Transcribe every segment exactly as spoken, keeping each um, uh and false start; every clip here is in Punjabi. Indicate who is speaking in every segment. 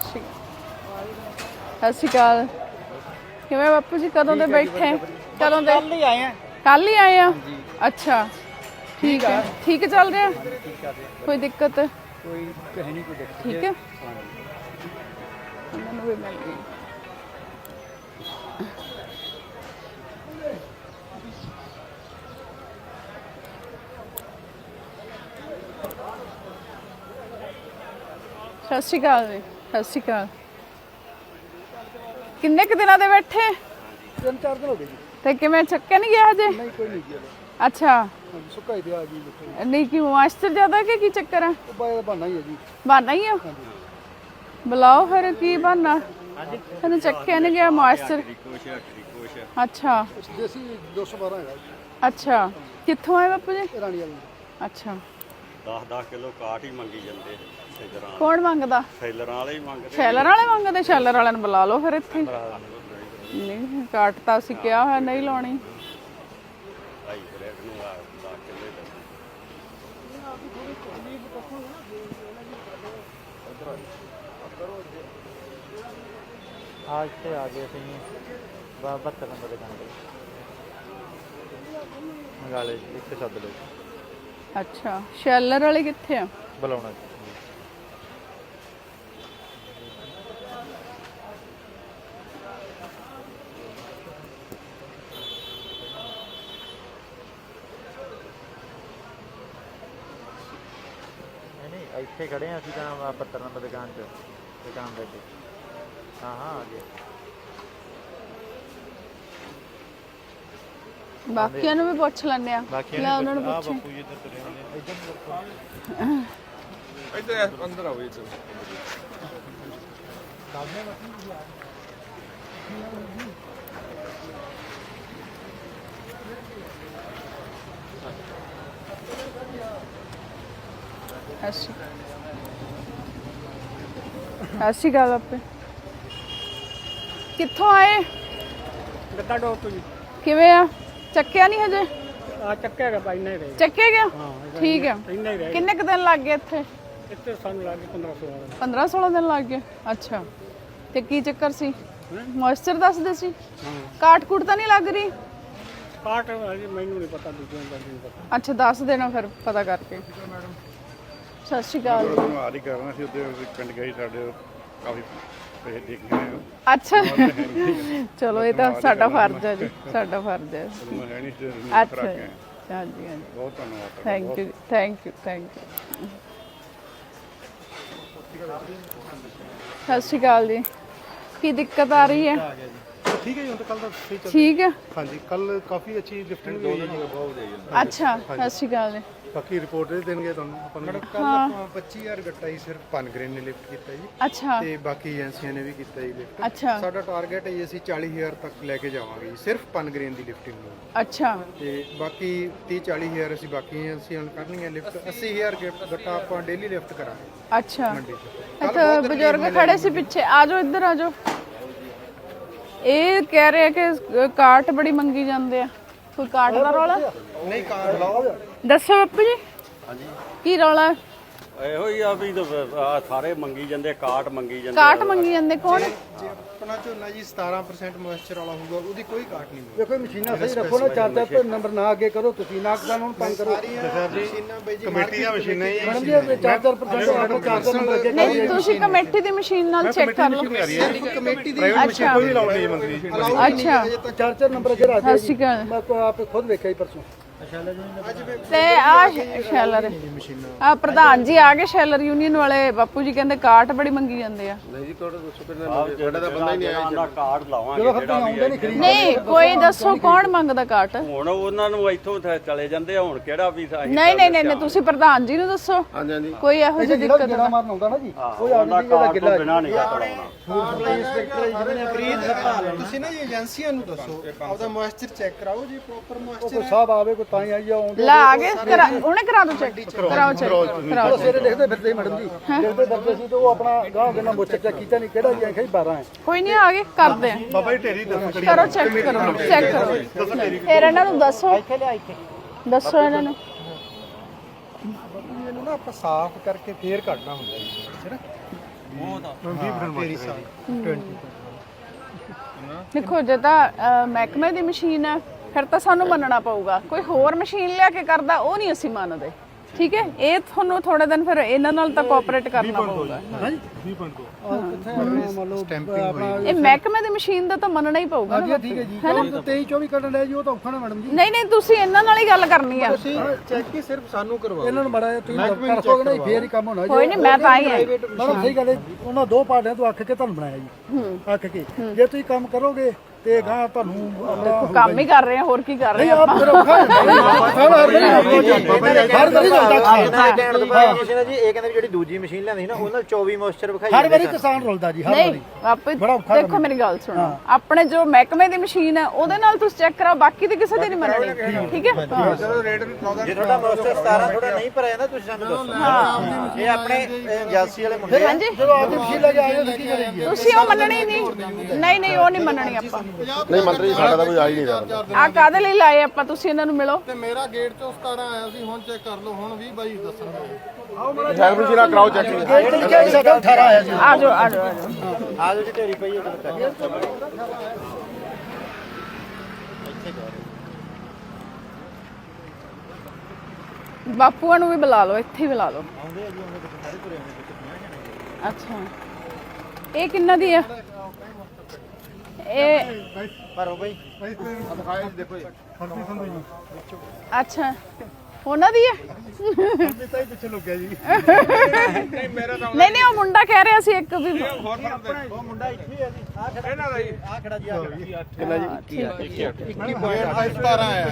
Speaker 1: ਸ਼੍ਰੀ ਅਕਾਲ ਸਤਿ ਸ਼੍ਰੀ ਅਕਾਲ। ਕਿਵੇਂ ਬਾਪੂ ਜੀ ਕਦੋਂ ਦੇ ਬੈਠੇ? ਕਦੋਂ ਦੇ?
Speaker 2: ਕੱਲ ਹੀ ਆਏ ਆ।
Speaker 1: ਕੱਲ ਹੀ ਆਏ ਆ? ਅੱਛਾ ਠੀਕ ਹੈ। ਠੀਕ ਚੱਲ ਰਿਹਾ? ਕੋਈ ਦਿੱਕਤ?
Speaker 2: ਕੋਈ ਕਹੇ ਨਹੀਂ ਕੋਈ ਦਿੱਕਤ।
Speaker 1: ਠੀਕ ਹੈ ਉਹਨਾਂ ਨੂੰ ਵੀ ਮਿਲ ਗਈ। ਸਤਿ ਸ਼੍ਰੀ ਅਕਾਲ ਜੀ। ਸਤਿ ਸ਼੍ਰੀ ਅਕਾਲ। ਕਿੰਨੇ ਕੁ ਦਿਨਾਂ ਦੇ ਬੈਠੇ?
Speaker 2: ਤਿੰਨ ਚਾਰ ਦਿਨ ਹੋ ਗਏ ਜੀ।
Speaker 1: ਤੇ ਕਿਵੇਂ ਚੱਕਿਆ ਨਹੀਂ ਗਿਆ ਹਜੇ?
Speaker 2: ਨਹੀਂ ਕੋਈ ਨਹੀਂ ਗਿਆ।
Speaker 1: ਅੱਛਾ
Speaker 2: ਸੁੱਕਾ ਹੀ ਦਿਆ ਜੀ।
Speaker 1: ਨਹੀਂ ਕਿ ਮਾਸਟਰ ਜ਼ਿਆਦਾ ਕਿ ਕੀ ਚੱਕਰ ਹੈ?
Speaker 2: ਉਹ ਬਾਈ ਦਾ ਬਹਾਨਾ ਹੀ ਹੈ ਜੀ।
Speaker 1: ਬਹਾਨਾ ਹੀ ਆ? ਬੁਲਾਓ ਫਿਰ ਕੀ ਬਹਾਨਾ? ਤੈਨੂੰ ਚੱਕਿਆ ਨਹੀਂ ਗਿਆ ਮਾਸਟਰ? ਅੱਛਾ
Speaker 2: ਦੇਸੀ ਦੋ ਸੌ ਬਾਰਾਂ ਹੈਗਾ।
Speaker 1: ਅੱਛਾ ਕਿੱਥੋਂ ਆਏ ਬਾਪੂ ਜੀ?
Speaker 2: ਰਾਣੀ ਵਾਲੀ।
Speaker 1: ਅੱਛਾ
Speaker 3: ਦਸ ਦਸ ਕਿਲੋ ਕਾਟ ਹੀ ਮੰਗੀ ਜਾਂਦੇ ਸੈਲਰਾਂ।
Speaker 1: ਕੌਣ ਮੰਗਦਾ?
Speaker 3: ਸੈਲਰਾਂ ਵਾਲੇ ਹੀ ਮੰਗਦੇ।
Speaker 1: ਸ਼ੈਲਰ ਵਾਲੇ ਮੰਗਦੇ? ਸ਼ੈਲਰ ਵਾਲਿਆਂ ਨੂੰ ਬੁਲਾ ਲਓ ਫਿਰ ਇੱਥੇ। ਨਹੀਂ ਕਾਟ ਤਾਂ ਅਸੀਂ ਕਿਹਾ ਹੋਇਆ ਨਹੀਂ ਲਾਉਣੀ।
Speaker 3: ਭਾਈ ਬ੍ਰੈਡ ਨੂੰ ਦਸ ਕਿਲੋ ਹੀ
Speaker 4: ਆ ਇੱਥੇ ਆ ਗਏ ਅਸੀਂ ਬਹੱਤਰ ਨੰਬਰ ਦੁਕਾਨ ਤੇ ਮੰਗਾ ਲਏ ਇੱਥੇ ਸੱਦ ਲਓ।
Speaker 1: ਅੱਛਾ ਸ਼ੈਲਰ ਵਾਲੇ ਕਿੱਥੇ ਆ?
Speaker 4: ਬੁਲਾਉਣਾ ਨਹੀਂ ਇੱਥੇ ਖੜੇ ਆ ਅਸੀਂ ਤਾਂ ਬਹੱਤਰ ਨੰਬਰ ਦੁਕਾਨ 'ਚ ਦੁਕਾਨ ਦੇ ਅੱਗੇ। ਹਾਂ ਹਾਂ ਆ ਗਏ।
Speaker 1: ਬਾਕੀਆਂ ਨੂੰ ਵੀ ਪੁੱਛ ਲੈਂਦੇ ਆ। ਲੈ ਉਹਨਾਂ ਨੂੰ ਪੁੱਛ।
Speaker 4: ਬਾਪੂ ਜੀ ਇੱਧਰ ਤੁਰੇ ਹੁੰਦੇ ਇੱਧਰ
Speaker 5: ਇੱਧਰ ਅੰਦਰ ਆਓ ਇੱਧਰ।
Speaker 1: ਅੱਛਾ ਅੱਛੀ ਗੱਲ ਆਪੇ। ਕਿੱਥੋਂ ਆਏ?
Speaker 2: ਗੱਦਾ ਡੋਰ ਤੋਂ ਜੀ।
Speaker 1: ਕਿਵੇਂ ਆ? ਚੱਕਿਆ ਨਹੀਂ ਹਜੇ?
Speaker 2: ਆ ਚੱਕਿਆ ਗਿਆ ਬਾਈ ਨਹੀਂ ਰਹੇ।
Speaker 1: ਚੱਕਿਆ ਗਿਆ?
Speaker 2: ਹਾਂ
Speaker 1: ਠੀਕ ਆ।
Speaker 2: ਇੰਨਾ ਹੀ ਰਹੇ।
Speaker 1: ਕਿੰਨੇ ਕੁ ਦਿਨ ਲੱਗ ਗਏ ਇੱਥੇ?
Speaker 2: ਇੱਥੇ ਸਾਨੂੰ ਲੱਗ ਗਏ ਪੰਦਰਾਂ ਸੌ ਦਿਨ।
Speaker 1: ਪੰਦਰਾਂ ਸੋਲਾਂ ਦਿਨ ਲੱਗ ਗਏ। ਅੱਛਾ ਤੇ ਕੀ ਚੱਕਰ ਸੀ? ਮੋਇਸਚਰ ਦੱਸਦੇ ਸੀ? ਕਾਟ ਕੂਟ ਤਾਂ ਨਹੀਂ ਲੱਗ ਰਹੀ?
Speaker 2: ਕਾਟ ਹਜੇ ਮੈਨੂੰ ਨਹੀਂ ਪਤਾ, ਦੂਜਿਆਂ ਦਾ ਨਹੀਂ ਪਤਾ।
Speaker 1: ਅੱਛਾ ਦੱਸ ਦੇਣਾ ਫਿਰ ਪਤਾ ਕਰਕੇ। ਸਤਿ ਸ਼੍ਰੀ ਅਕਾਲ ਜੀ।
Speaker 5: ਹਾਲ ਹੀ ਕਰਨਾ ਸੀ ਉੱਤੇ ਪਿੰਡ ਗਏ ਸਾਡੇ ਕਾਫੀ ਪੈਸੇ ਦੇਖੇ ਨੇ।
Speaker 1: ਅੱਛਾ ਚਲੋ ਇਹ ਤਾਂ ਸਾਡਾ ਫਰਜ਼ ਹੈ ਜੀ, ਸਾਡਾ ਫਰਜ਼ ਹੈ।
Speaker 5: ਮੈਂ ਹੈ ਨਹੀਂ ਸੀ
Speaker 1: ਅੱਛਾ ਹਾਂਜੀ ਹਾਂਜੀ
Speaker 5: ਬਹੁਤ ਧੰਨਵਾਦ।
Speaker 1: Thank you thank you thank you. ਸਤਿ ਸ਼੍ਰੀ ਅਕਾਲ ਜੀ। ਕੀ ਦਿੱਕਤ ਆ ਰਹੀ ਹੈ?
Speaker 2: ਠੀਕ ਹੈ ਜੀ, ਹੁਣ ਤਾਂ ਕੱਲ ਦਾ ਸਹੀ ਚੱਲ।
Speaker 1: ਠੀਕ ਹੈ।
Speaker 2: ਹਾਂਜੀ ਕੱਲ ਕਾਫੀ ਅੱਛੀ ਲਿਫਟਿੰਗ ਵੀ ਹੋਈ ਜੀ।
Speaker 1: ਅੱਛਾ ਸਤਿ ਸ਼੍ਰੀ ਅਕਾਲ ਜੀ।
Speaker 2: ਬਾਕੀ ਰਿਪੋਰਟ ਦੇ ਦੇਣਗੇ ਤੁਹਾਨੂੰ ਆਪਾਂ ਨੂੰ। ਕੱਲ ਪੱਚੀ ਹਜ਼ਾਰ ਗੱਟਾ ਹੀ ਸਿਰਫ ਪਨਗ੍ਰੇਨ ਨੇ ਲਿਫਟ ਕੀਤਾ ਜੀ।
Speaker 1: ਅੱਛਾ
Speaker 2: ਤੇ ਬਾਕੀ ਏਜੰਸੀਆਂ ਨੇ ਵੀ ਕੀਤਾ ਜੀ ਲਿਫਟ।
Speaker 1: ਅੱਛਾ
Speaker 2: ਸਾਡਾ ਟਾਰਗੇਟ ਹੈ ਜੀ ਅਸੀਂ ਚਾਲੀ ਹਜ਼ਾਰ ਤੱਕ ਲੈ ਕੇ ਜਾਵਾਂਗੇ ਜੀ ਸਿਰਫ ਪਨਗ੍ਰੇਨ ਦੀ ਲਿਫਟਿੰਗ ਨੂੰ।
Speaker 1: ਅੱਛਾ
Speaker 2: ਤੇ ਬਾਕੀ ਤੀਹ ਚਾਲੀ ਹਜ਼ਾਰ ਅਸੀਂ ਬਾਕੀ ਏਜੰਸੀਆਂ ਨੂੰ ਕਰਨੀਆਂ ਲਿਫਟ। ਅੱਸੀ ਹਜ਼ਾਰ ਗੱਟਾ ਆਪਾਂ ਡੇਲੀ ਲਿਫਟ ਕਰਾਂਗੇ
Speaker 1: ਅੱਛਾ।
Speaker 2: ਮੰਡੀ 'ਚ।
Speaker 1: ਇੱਥੇ ਬਜ਼ੁਰਗ ਖੜੇ ਸੀ ਪਿੱਛੇ, ਆ ਜਾਓ ਇੱਧਰ ਆ ਜਾਓ। ਇਹ ਕਹਿ ਰਹੇ ਕਿ ਕਾਟ ਬੜੀ ਮੰਗੀ ਜਾਂਦੇ ਆ। ਕੋਈ ਕਾਟ ਦਾ ਰੌਲਾ?
Speaker 2: ਨਹੀਂ ਕਾਰ ਲਾਓ।
Speaker 1: ਦੱਸੋ ਬਾਪੂ ਜੀ
Speaker 3: ਹਾਂਜੀ
Speaker 1: ਕੀ ਰੌਲਾ?
Speaker 3: ਇਹੋ ਹੀ ਆ ਵੀ ਆਹ ਸਾਰੇ ਮੰਗੀ ਜਾਂਦੇ ਕਾਟ ਮੰਗੀ ਜਾਂਦੇ।
Speaker 1: ਕਾਟ ਮੰਗੀ ਜਾਂਦੇ ਕੌਣ?
Speaker 2: ਜੇ ਆਪਣਾ ਝੋਨਾ ਜੀ ਸਤਾਰਾਂ ਪਰਸੈਂਟ ਮੋਇਸਚਰ ਵਾਲਾ ਹੋਊਗਾ ਉਹਦੀ ਕੋਈ ਕਾਟ ਨਹੀਂ ਮਿਲੇਗੀ।
Speaker 6: ਦੇਖੋ ਮਸ਼ੀਨਾਂ ਸਹੀ ਰੱਖੋ ਨਾ, ਚਾਰ ਚਾਰ ਨੰਬਰ ਨਾ ਅੱਗੇ ਕਰੋ ਤੁਸੀਂ, ਨਾ ਕਿਸਾਨ ਨੂੰ ਤੰਗ ਕਰੋ।
Speaker 2: ਮਸ਼ੀਨਾਂ ਬਈ ਜੀ ਕਮੇਟੀ ਦੀਆਂ ਮਸ਼ੀਨਾਂ ਹੀ
Speaker 6: ਮੈਡਮ ਜੀ ਚਾਰ ਚਾਰ ਪਰਸੈਂਟ ਆਪਣਾ ਚਾਰ ਚਾਰ ਨੰਬਰ ਅੱਗੇ
Speaker 1: ਨਹੀਂ ਤੁਸੀਂ ਕਮੇਟੀ ਦੀ ਮਸ਼ੀਨ ਨਾਲ ਚੈੱਕ ਕਰ ਲਓ।
Speaker 2: ਕਮੇਟੀ ਦੀ
Speaker 1: ਅੱਛਾ
Speaker 2: ਕੋਈ ਲਾਉਣੀ ਹੈ ਮੰਤਰੀ ਜੀ।
Speaker 1: ਅੱਛਾ
Speaker 6: ਚਾਰ ਚਾਰ ਨੰਬਰ ਅੱਗੇ ਰੱਖ
Speaker 1: ਸਤਿ ਸ਼੍ਰੀ ਅਕਾਲ।
Speaker 6: ਮੈਂ ਕੋ ਆਪ ਖੁਦ ਵੇਖਿਆ ਹੀ ਪਰਸੋਂ।
Speaker 1: ਤੇ ਆ ਸ਼ੈਲਰ ਆ ਪ੍ਰਧਾਨ ਜੀ ਆ ਗਏ ਸ਼ੈਲਰ ਯੂਨੀਅਨ ਵਾਲੇ। ਬਾਪੂ ਜੀ ਕਹਿੰਦੇ ਕਾਟ ਬੜੀ ਮੰਗੀ ਜਾਂਦੇ ਆ।
Speaker 5: ਨਹੀਂ ਜੀ ਤੁਹਾਡਾ ਦੱਸੋ ਕਿੰਨਾ ਸਾਡਾ ਤਾਂ ਬੰਦਾ ਹੀ ਨਹੀਂ ਆਇਆ।
Speaker 3: ਕਾਟ ਲਾਵਾਂਗੇ ਜਿਹੜਾ ਵੀ ਹੈ।
Speaker 1: ਨਹੀਂ ਕੋਈ ਦੱਸੋ ਕੌਣ ਮੰਗਦਾ ਕਾਟ?
Speaker 3: ਹੁਣ ਉਹਨਾਂ ਨੂੰ ਇੱਥੋਂ ਚਲੇ ਜਾਂਦੇ ਆ। ਹੁਣ ਕਿਹੜਾ ਵੀ ਅਸੀਂ
Speaker 1: ਨਹੀਂ ਨਹੀਂ ਨਹੀਂ ਤੁਸੀਂ ਪ੍ਰਧਾਨ ਜੀ ਨੂੰ ਦੱਸੋ।
Speaker 5: ਹਾਂਜੀ ਹਾਂਜੀ
Speaker 1: ਕੋਈ ਇਹੋ ਜਿਹੀ ਦਿੱਕਤ
Speaker 6: ਜਿਹੜਾ ਮਾਰਨ ਆਉਂਦਾ ਨਾ ਜੀ
Speaker 3: ਉਹ ਆਉਂਦਾ ਕਾਟ ਤੋਂ ਬਿਨਾਂ ਨਹੀਂ ਕਰਾਉਣਾ।
Speaker 2: ਤੁਸੀਂ ਨਾ ਜੀ ਏਜੰਸੀਆਂ ਨੂੰ ਦੱਸੋ ਆਪਦਾ ਮੋਇਸਚਰ ਚੈੱਕ ਕਰਾਓ ਜੀ ਪ੍ਰੋਪਰ ਮੋਇਸਚਰ
Speaker 6: ਕੋਈ ਸਾਹਿਬ ਆਵੇ ਕੋਈ ਤਾਂ ਹੀ ਆਈ ਆਉਂਦੇ
Speaker 1: ਲਾ ਆ ਗਏ ਉਹਨੇ ਕਰਾ ਦੋ ਚੈੱਕ। ਕਰਾਓ ਚੈੱਕ ਕਰਾਓ।
Speaker 6: ਸਵੇਰੇ ਦੇਖਦੇ ਫਿਰਦੇ ਮੈਡਮ ਜੀ, ਦੇਖਦੇ ਫਿਰਦੇ ਸੀ ਤੇ ਉਹ ਆਪਣਾ ਗਾਹ ਦੇ ਨਾਲ ਮੁੱਛ ਚੈੱਕ ਕੀਤਾ ਨਹੀਂ ਕਿਹੜਾ ਜੀ ਆਖਿਆ ਬਾਰਾਂ ਹੈ।
Speaker 1: ਕੋਈ ਨਹੀਂ ਆ ਗਏ ਕਰਦੇ ਆ।
Speaker 2: ਬਾਬਾ ਜੀ ਢੇਰੀ ਦੱਸੋ
Speaker 1: ਕਰੋ ਚੈੱਕ ਕਰੋ ਚੈੱਕ ਕਰੋ। ਫਿਰ ਇਹਨਾਂ ਨੂੰ ਦੱਸੋ ਦੱਸੋ ਇਹਨਾਂ ਨੂੰ।
Speaker 2: ਇਹਨੂੰ ਨਾ ਆਪਾਂ ਸਾਫ਼ ਕਰਕੇ ਫੇਰ ਕੱਢਣਾ ਹੁੰਦਾ ਜੀ ਹੈ ਨਾ।
Speaker 1: ਦੇਖੋ ਜੇ ਤਾਂ ਅਹ, ਮਹਿਕਮੇ ਦੀ ਮਸ਼ੀਨ ਹੈ ਫਿਰ ਤਾਂ ਸਾਨੂੰ ਮੰਨਣਾ ਪਊਗਾ। ਕੋਈ ਹੋਰ ਮਸ਼ੀਨ ਲਿਆ ਕੇ ਕਰਦਾ ਉਹ ਨਹੀਂ ਅਸੀਂ ਮੰਨਦੇ। ਠੀਕ ਹੈ, ਇਹ ਤੁਹਾਨੂੰ ਥੋੜੇ ਦਿਨ ਫਿਰ ਇਹਨਾਂ ਨਾਲ ਤਾਂ ਕੋਆਪਰੇਟ ਕਰਨਾ ਪਊਗਾ। ਇਹ ਮਹਿਕਮੇ ਦੀ ਮਸ਼ੀਨ ਦਾ ਤਾਂ ਮੰਨਣਾ ਹੀ ਪਊਗਾ ਨਾ।
Speaker 6: ਠੀਕ ਹੈ ਜੀ ਤੇਈ ਚੌਵੀ ਕੱਢਣ ਲੈ ਜੀ ਉਹ ਤਾਂ ਔਖਾ ਨਾ ਮੈਡਮ ਜੀ।
Speaker 1: ਨਹੀਂ ਨਹੀਂ ਤੁਸੀਂ ਇਹਨਾਂ ਨਾਲ ਹੀ ਗੱਲ ਕਰਨੀ ਆ।
Speaker 2: ਚੈੱਕ ਹੀ ਸਿਰਫ ਸਾਨੂੰ ਕਰਵਾਓ।
Speaker 6: ਇਹਨਾਂ ਨੂੰ ਬੜਾ ਤੁਸੀਂ ਕਰ ਸਕੋਗੇ ਨਾ ਫੇਰ ਹੀ ਕੰਮ ਹੋਣਾ ਜੀ।
Speaker 1: ਕੋਈ ਨਹੀਂ, ਮੈਂ ਤਾਂ ਹੀ ਆ।
Speaker 6: ਮੈਡਮ ਸਹੀ ਗੱਲ ਹੈ, ਉਹਨਾਂ ਦੋ ਪਾਰਟੀਆਂ ਤੋਂ ਅੱਖ ਕੇ ਤੁਹਾਨੂੰ ਬਣਾਇਆ ਜੀ। ਅੱਖ ਕੇ ਜੇ ਤੁਸੀਂ ਕੰਮ ਕਰੋਗੇ ਤੇ ਗਾਂ ਤੁਹਾਨੂੰ ਆਪਣਾ
Speaker 1: ਕੰਮ ਹੀ ਕਰ ਰਹੇ ਆ, ਹੋਰ ਕੀ ਕਰ ਰਹੇ
Speaker 6: ਨਹੀਂ
Speaker 1: ਆ
Speaker 6: ਆਪ ਫਿਰ ਔਖਾ ਹੈ ਹਰ ਵਾਰੀ
Speaker 4: ਕਹਿਣ ਤੋਂ ਬਾਅਦ ਕਿਸੇ ਨੇ ਜੀ ਇਹ ਕਹਿੰਦੇ ਵੀ ਜਿਹੜੀ ਦੂਜੀ ਮਸ਼ੀਨ ਲਿਆਂਦੀ ਸੀ ਨਾ ਉਹਨਾਂ ਚੌਵੀ ਮੋਇਸਚਰ ਵਿਖਾਈ
Speaker 6: ਹਰ ਵਾਰੀ ਕਿਸਾਨ ਰੁਲਦਾ ਜੀ ਹਰ ਵਾਰੀ।
Speaker 1: ਨਹੀਂ ਆਪੇ ਦੇਖੋ ਮੇਰੀ ਗੱਲ ਸੁਣੋ, ਆਪਣੇ ਜੋ ਮਹਿਕਮੇ ਦੀ ਮਸ਼ੀਨ ਹੈ ਉਹਦੇ ਨਾਲ ਤੁਸੀਂ ਚੈੱਕ ਕਰਾਓ, ਬਾਕੀ ਦੀ ਕਿਸੇ ਦੀ ਨਹੀਂ ਮੰਨਣੀ। ਠੀਕ ਹੈ,
Speaker 4: ਜੇ ਤੁਹਾਡਾ ਮੋਇਸਚਰ ਸਤਾਰਾਂ ਥੋੜਾ ਨਹੀਂ ਭਰਿਆ ਜਾਂਦਾ ਤੁਸੀਂ ਸਾਨੂੰ ਦੱਸੋ। ਇਹ ਆਪਣੇ ਏਜੰਸੀ ਵਾਲੇ ਮੁੰਡੇ ਆ।
Speaker 1: ਹਾਂਜੀ
Speaker 6: ਜਦੋਂ ਆਪਦੀ ਮਸ਼ੀਨ ਲੈ ਕੇ ਆਏ ਹੋ ਕੀ ਕਰੇਗੀ?
Speaker 1: ਤੁਸੀਂ ਉਹ ਮੰਨਣੀ ਨਹੀਂ। ਨਹੀਂ ਨਹੀਂ ਉਹ ਨਹੀਂ ਮੰਨਣੀ ਆਪਾਂ।
Speaker 5: ਨਹੀਂ ਮੰਤਰੀ ਸਾਡਾ ਤਾਂ ਕੋਈ ਆ ਹੀ ਨਹੀਂ ਰਿਹਾ।
Speaker 1: ਆ ਕਾਹਦੇ ਲਈ ਲਾਏ ਆਪਾਂ? ਤੁਸੀਂ ਇਹਨਾਂ ਨੂੰ ਮਿਲੋ।
Speaker 2: ਤੇ ਮੇਰਾ ਗੇਟ ਚੋਂ ਸਤਾਰਾਂ ਆਇਆ ਸੀ, ਹੁਣ ਚੈੱਕ ਕਰ ਲਓ, ਹੁਣ ਵੀਹ ਬਾਈ ਦੱਸਣਗੇ।
Speaker 5: ਹੈਲਪ ਮਸ਼ੀਨਾ ਕਰਾਓ ਚੈੱਕ।
Speaker 6: ਗੇਟ ਤੇ ਲਿਖਿਆ ਸੀ ਸਾਡਾ ਅਠਾਰਾਂ ਆਇਆ ਸੀ।
Speaker 1: ਆ ਜਾਓ ਆ ਜਾਓ ਆ ਜਾਓ।
Speaker 4: ਆ ਜੋ ਜੀ ਢੇਰੀ ਪਈ ਹੈ ਕਰੀਏ।
Speaker 1: ਬਾਪੂਆਂ ਨੂੰ ਵੀ ਬੁਲਾ ਲਓ, ਇੱਥੇ ਹੀ ਬੁਲਾ ਲਓ। ਅੱਛਾ, ਇਹ ਕਿੰਨਾ ਦੀ ਆ? ਇਹ
Speaker 4: ਭਰੋ ਬਈ।
Speaker 1: ਅੱਛਾ ਉਹਨਾਂ ਦੀ ਹੈ।
Speaker 6: ਪਿੱਛੇ ਲੁਕਿਆ ਜੀ।
Speaker 1: ਨਹੀਂ ਨਹੀਂ ਉਹ ਮੁੰਡਾ ਕਹਿ ਰਿਹਾ ਸੀ ਇੱਕ ਵੀ।
Speaker 4: ਉਹ ਮੁੰਡਾ ਇੱਥੇ ਹੀ ਆ ਜੀ। ਆ ਖੜਾ ਇਹਨਾਂ ਦਾ ਜੀ। ਆ ਖੜਾ ਜੀ ਆ
Speaker 2: ਸਤਾਰਾਂ ਆਇਆ।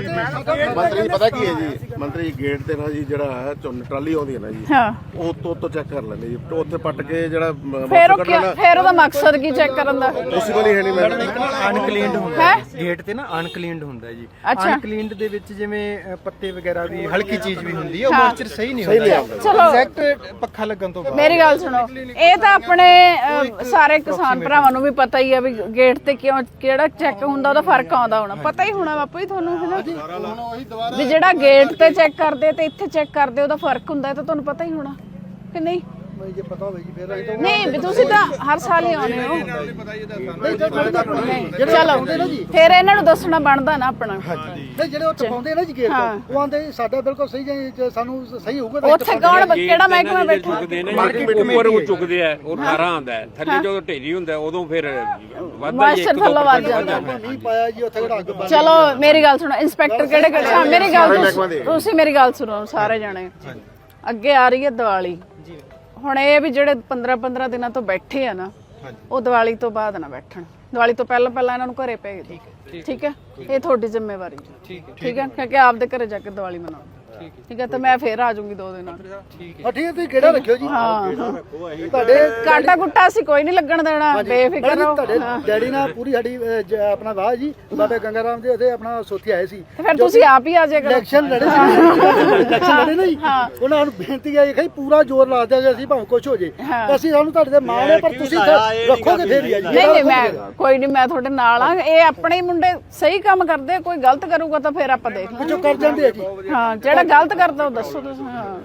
Speaker 5: ਮੰਤਰੀ ਪਤਾ ਕੀ ਹੈ ਜੀ, ਮੰਤਰੀ ਗੇਟ ਤੇ ਨਾ ਜੀ ਜਿਹੜਾ ਹੈ ਝੋਨੇ ਟਰਾਲੀ ਆਉਂਦੀ ਹੈ ਨਾ ਜੀ,
Speaker 1: ਹਾਂ
Speaker 5: ਉਹ ਤੋਂ ਤੋਂ ਚੈੱਕ ਕਰ ਲੈਂਦੇ ਜੀ। ਤੇ ਉੱਥੇ ਪੱਟ ਕੇ ਜਿਹੜਾ
Speaker 1: ਫਿਰ ਉਹ ਕਿਆ- ਫਿਰ ਉਹਦਾ ਮਕਸਦ ਕੀ ਚੈੱਕ ਕਰਨ ਦਾ?
Speaker 5: ਪੋਸੀਬਲ ਹੀ ਹੈ ਨਹੀਂ ਮੈਡਮ।
Speaker 2: ਅਨਕਲੀਨਡ ਹੁੰਦਾ
Speaker 1: ਹੈ
Speaker 2: ਗੇਟ ਤੇ ਨਾ, ਅਨਕਲੀਨਡ ਹੁੰਦਾ ਜੀ।
Speaker 1: ਅੱਛਾ।
Speaker 2: ਅਨਕਲੀਨਡ ਦੇ ਵਿੱਚ ਜਿਵੇਂ ਅ, ਪੱਤੇ ਵਗੈਰਾ ਵੀ ਹਲਕੀ ਚੀਜ਼ ਵੀ ਹੁੰਦੀ ਹੈ, ਉਹ ਮੋਇਸਚਰ ਸਹੀ ਨਹੀਂ ਹੁੰਦਾ।
Speaker 1: ਚਲੋ
Speaker 2: ਐਗਜ਼ੈਕਟ ਪੱਖਾ ਲੱਗਣ ਤੋਂ ਬਾਅਦ
Speaker 1: ਮੇਰੀ ਗੱਲ ਸੁਣੋ, ਇਹ ਤਾਂ ਆਪਣੇ ਅਹ, ਸਾਰੇ ਕਿਸਾਨ ਭਰਾਵਾਂ ਨੂੰ ਵੀ ਪਤਾ ਹੀ ਆ ਵੀ ਗੇਟ ਤੇ ਕਿਉਂ ਕਿਹੜਾ ਚੈੱਕ ਹੁੰਦਾ, ਉਹਦਾ ਫਰਕ ਆਉਂਦਾ ਹੋਣਾ। ਪਤਾ ਹੀ ਹੋਣਾ ਬਾਪੂ ਜੀ ਤੁਹਾਨੂੰ, ਹੈ ਨਾ? ਵੀ ਜਿਹੜਾ ਗੇਟ ਤੇ ਚੈੱਕ ਕਰਦੇ ਤੇ ਇੱਥੇ ਚੈੱਕ ਕਰਦੇ ਉਹਦਾ ਫਰਕ ਹੁੰਦਾ, ਇਹ ਤਾਂ ਤੁਹਾਨੂੰ ਪਤਾ ਹੀ ਹੋਣਾ ਕਿ ਨਹੀਂ?
Speaker 6: ਜੇ ਪਤਾ ਹੋਵੇ ਜੀ ਫਿਰ ਅਸੀਂ ਤਾਂ
Speaker 1: ਨਹੀਂ ਵੀ ਤੁਸੀਂ ਤਾਂ ਹਰ ਸਾਲ ਹੀ ਆਉਂਦੇ ਹੋ।
Speaker 6: ਨਹੀਂ ਤਾਂ ਸਾਡੇ ਤਾਂ
Speaker 1: ਨਹੀਂ, ਚਲੋ ਫਿਰ ਇਹਨਾਂ ਨੂੰ ਦੱਸਣਾ ਬਣਦਾ ਨਾ ਆਪਣਾ।
Speaker 6: ਨਹੀਂ ਜਿਹੜੇ ਉਹ ਟਪਾਉਂਦੇ ਨਾ ਜੀ ਗੇਟ ਉਹ ਆਂਦੇ ਸਾਡਾ ਬਿਲਕੁਲ ਸਹੀ ਹੈ, ਜੇ ਸਾਨੂੰ ਸਹੀ ਹੋਊਗਾ ਤਾਂ
Speaker 1: ਉੱਥੇ ਕੌਣ ਕਿਹੜਾ ਮਹਿਕਮਾ ਬੈਠਾ?
Speaker 7: ਉੱਪਰ ਉਹ ਚੁੱਕਦੇ ਆ, ਉਹ ਅਠਾਰਾਂ ਆਉਂਦਾ ਹੈ, ਥੱਲੇ ਜਦੋਂ ਢੇਰੀ ਹੁੰਦਾ ਉਦੋਂ ਫਿਰ ਵੱਧਦਾ ਹੀ
Speaker 1: ਮਾਸਟਰ ਥੱਲੋਂ ਵੱਧ ਜਾਂਦਾ।
Speaker 6: ਨਹੀਂ ਪਾਇਆ ਜੀ ਉੱਥੇ ਕਿਹੜਾ ਅੱਗ ਬਾਲ।
Speaker 1: ਚਲੋ ਮੇਰੀ ਗੱਲ ਸੁਣੋ, ਇੰਸਪੈਕਟਰ ਕਿਹੜੇ ਕਿਹੜੇ? ਹਾਂ ਮੇਰੀ ਗੱਲ ਤੁਸੀਂ- ਤੁਸੀਂ ਮੇਰੀ ਗੱਲ ਸੁਣੋ ਸਾਰੇ ਜਾਣੇ। ਅੱਗੇ ਆ ਰਹੀ ਹੈ ਦੀਵਾਲੀ। ਹੁਣ ਇਹ ਵੀ ਜਿਹੜੇ ਪੰਦਰਾਂ ਪੰਦਰਾਂ ਦਿਨਾਂ ਤੋਂ ਬੈਠੇ ਆ ਨਾ, ਉਹ ਦੀਵਾਲੀ ਤੋਂ ਬਾਅਦ ਨਾ ਬੈਠਣ। ਦੀਵਾਲੀ ਤੋਂ ਪਹਿਲਾਂ ਪਹਿਲਾਂ ਇਹਨਾਂ ਨੂੰ ਘਰੇ ਭੇਜ ਦਿਓ। ਠੀਕ ਹੈ, ਇਹ ਤੁਹਾਡੀ ਜ਼ਿੰਮੇਵਾਰੀ ਹੈ। ਠੀਕ ਹੈ, ਕਿਉਂਕਿ ਆਪਦੇ ਘਰੇ ਜਾ ਕੇ ਦੀਵਾਲੀ ਮਨਾਓ। ਠੀਕ ਹੈ, ਤੇ ਮੈਂ ਫੇਰ ਆ ਜਾਊਂਗੀ ਦੋ ਦਿਨਾਂ
Speaker 6: ਹਾਂ ਠੀਕ ਹੈ, ਤੁਸੀਂ ਕਿਹੜਾ ਰੱਖਿਓ ਜੀ।
Speaker 1: ਹਾਂ
Speaker 6: ਤੁਹਾਡੇ
Speaker 1: ਕਾਟਾ ਕੁੱਟਾ ਅਸੀਂ ਕੋਈ ਨਹੀਂ ਲੱਗਣ ਦੇਣਾ, ਬੇਫਿਕਰ ਰਹੋ।
Speaker 6: ਤੁਹਾਡੇ ਡੈਡੀ ਨਾਲ ਪੂਰੀ ਸਾਡੀ ਅਹ, ਜ- ਆਪਣਾ ਵਾਹ ਜੀ ਬਾਬੇ ਗੰਗਾ ਰਾਮ ਦੇ ਉਹਦੇ ਆਪਣਾ ਸੋਥੀ ਆਏ ਸੀ।
Speaker 1: ਤੇ ਫਿਰ ਤੁਸੀਂ ਆਪ ਹੀ ਆ ਜਾਇਆ ਕਰੋ।
Speaker 6: ਇਲੈਕਸ਼ਨ ਲੜੇ ਸੀ ਇਲੈਕਸ਼ਨ ਲੜੇ ਨਹੀਂ ਉਹਨਾਂ ਨੂੰ ਬੇਨਤੀ ਹੈ ਕਿ ਪੂਰਾ ਜ਼ੋਰ ਲਾ ਦਿਆ ਅਸੀਂ ਭਾਵੇਂ ਕੁਝ ਹੋ ਜੇ, ਅਸੀਂ ਸਾਨੂੰ ਤੁਹਾਡੇ ਤੇ ਮਾਣ ਹੈ, ਪਰ ਤੁਸੀਂ ਰੱਖੋਗੇ ਫੇਰ ਹੀ ਆ ਜੀ।
Speaker 1: ਨਹੀਂ ਨਹੀਂ ਮੈਂ ਕੋਈ ਨਹੀਂ, ਮੈਂ ਤੁਹਾਡੇ ਨਾਲ ਆ। ਇਹ ਆਪਣੇ ਮੁੰਡੇ ਸਹੀ ਕੰਮ ਕਰਦੇ, ਕੋਈ ਗਲਤ ਕਰੂਗਾ ਤਾਂ ਫਿਰ ਆਪਾਂ ਦੇਖ ਲਾਂਗੇ।
Speaker 6: ਜੋ ਕਰ ਜਾਂਦੇ ਆ ਜੀ।
Speaker 1: ਹਾਂ ਜਿਹੜਾ ਗਲਤ ਕਰਦਾ ਉਹ ਦੱਸੋ ਤੁਸੀਂ। ਹਾਂ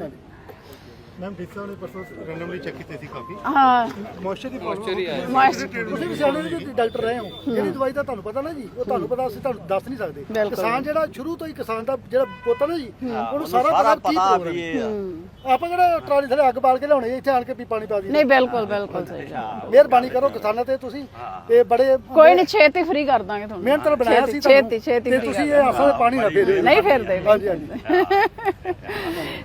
Speaker 2: ਮੈਮ ਫਿਕਸਾ ਵਾਲੇ ਪਰਸੋਂ ਰੈਂਡਮਲੀ ਚੈੱਕ ਕੀਤੇ ਸੀ ਕਾਫੀ
Speaker 1: ਹਾਂ
Speaker 2: ਮੋਇਸਚਰ ਦੀ ਮੋਇਸਚਰ ਹੀ ਆਇਆ।
Speaker 6: ਤੁਸੀਂ ਵੀ ਸਿਆਣੇ ਜੀ ਡਾਕਟਰ ਰਹੇ ਹੋ, ਜਿਹੜੀ ਦਵਾਈ ਦਾ ਤੁਹਾਨੂੰ ਪਤਾ ਨਾ ਜੀ, ਉਹ ਤੁਹਾਨੂੰ ਪਤਾ, ਅਸੀਂ ਤੁਹਾਨੂੰ ਦੱਸ ਨਹੀਂ ਸਕਦੇ। ਕਿਸਾਨ ਜਿਹੜਾ ਸ਼ੁਰੂ ਤੋਂ ਹੀ ਕਿਸਾਨ ਦਾ ਜਿਹੜਾ ਪੁੱਤ ਨਾ ਜੀ, ਉਹਨੂੰ ਸਾਰਾ ਪਤਾ ਕੀ ਪ੍ਰੋਗਰਾਮ। ਆਪਾਂ ਕਿਹੜਾ ਟਰਾਲੀ ਥੱਲੇ ਅੱਗ ਬਾਲ ਕੇ ਲਿਆਉਣੇ ਇੱਥੇ ਆਣ ਕੇ ਵੀ ਪਾਣੀ ਪਾ ਦਈਏ।
Speaker 1: ਨਹੀਂ ਬਿਲਕੁਲ ਬਿਲਕੁਲ ਸਹੀ।
Speaker 6: ਮਿਹਰਬਾਨੀ ਕਰੋ ਕਿਸਾਨਾਂ ਤੇ ਤੁਸੀਂ, ਤੇ ਬੜੇ
Speaker 1: ਕੋਈ ਨਹੀਂ ਛੇਤੀ ਫ੍ਰੀ ਕਰ ਦਾਂਗੇ ਤੁਹਾਨੂੰ।
Speaker 6: ਮਿਹਨਤ ਨਾਲ ਬਣਾਇਆ ਸੀ
Speaker 1: ਛੇਤੀ ਛੇਤੀ
Speaker 6: ਤੇ ਤੁਸੀਂ ਇਹ ਆਸਾਂ ਦੇ ਪਾਣੀ ਨਾ ਦੇ ਦਿਓ।
Speaker 1: ਨਹੀਂ ਫਿਰ ਦੇ।
Speaker 6: ਹਾਂਜੀ ਹਾਂਜੀ